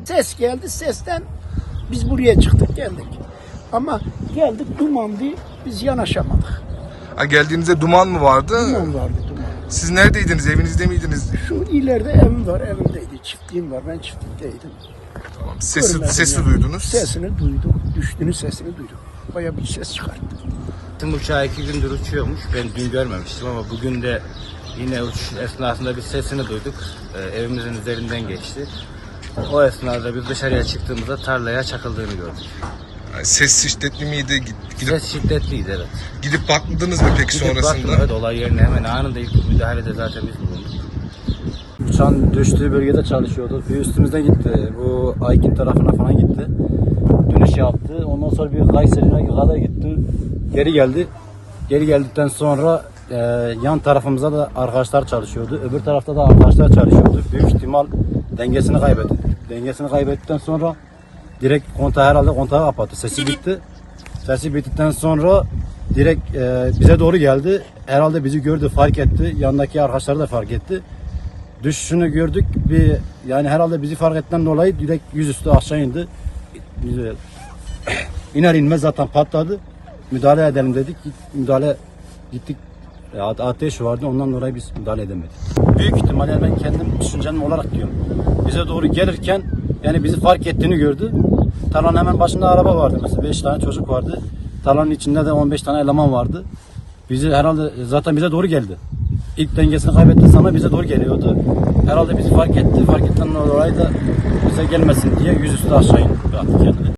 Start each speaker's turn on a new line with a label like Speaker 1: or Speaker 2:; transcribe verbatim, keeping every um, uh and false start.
Speaker 1: Ses geldi, sesten biz buraya çıktık geldik. Ama geldik dumandı, biz yanaşamadık.
Speaker 2: Ha, geldiğinizde duman mı vardı?
Speaker 1: Duman vardı, duman.
Speaker 2: Siz neredeydiniz? Evinizde miydiniz?
Speaker 1: Şu ileride evim var, evimdeydi. Çiftliğim var, ben çiftlikteydim.
Speaker 2: Tamam. Sesi,
Speaker 1: Görmedim
Speaker 2: sesi
Speaker 1: yani.
Speaker 2: duydunuz.
Speaker 1: Sesini duydum, düştüğünün sesini duydum. Bayağı bir ses çıkarttı.
Speaker 3: Uçağı iki gündür uçuyormuş. Ben dün görmemiştim ama bugün de yine uçuş esnasında bir sesini duyduk. Ee, evimizin üzerinden geçti. O esnada biz dışarıya çıktığımızda tarlaya çakıldığını gördük.
Speaker 2: Yani ses şiddetli miydi? Gid- Gidip,
Speaker 3: Ses şiddetliydi, evet.
Speaker 2: gidip bakmadınız mı peki
Speaker 3: Gidip
Speaker 2: sonrasında?
Speaker 3: baktım, evet, olay yerine hemen anında ilk müdahalede zaten biz bulunduk.
Speaker 4: Uçağın düştüğü bölgede çalışıyordu. Bir üstümüzden gitti. Bu Aykin tarafına falan gitti. Dönüş yaptı. Ondan sonra bir Kayseri'ne kadar gitti. Geri geldi. Geri geldikten sonra e, yan tarafımızda da arkadaşlar çalışıyordu. Öbür tarafta da arkadaşlar çalışıyordu. Büyük ihtimal dengesini kaybetti. Dengesini kaybettikten sonra direkt kontağı herhalde kontağı kapattı. Sesi bitti. Sesi bittikten sonra direkt e, bize doğru geldi. Herhalde bizi gördü, fark etti. Yanındaki arkadaşları da fark etti. Düşüşünü gördük. Bir yani herhalde bizi fark ettiğinden dolayı direkt yüzüstü aşağı indi. Bize iner inmez zaten patladı. Müdahale edelim dedik. Müdahale gittik. E, ateş vardı. Ondan dolayı biz müdahale edemedik. Büyük ihtimalle ben kendim düşüncem olarak diyorum. Bize doğru gelirken yani bizi fark ettiğini gördü. Tarlanın hemen başında araba vardı mesela. beş tane çocuk vardı. Tarlanın içinde de on beş tane eleman vardı. Bizi herhalde zaten bize doğru geldi. İlk dengesini kaybetti sana bize doğru geliyordu. Herhalde bizi fark etti. Fark ettiğinden dolayı da bize gelmesin diye yüzüstü aşağı indi.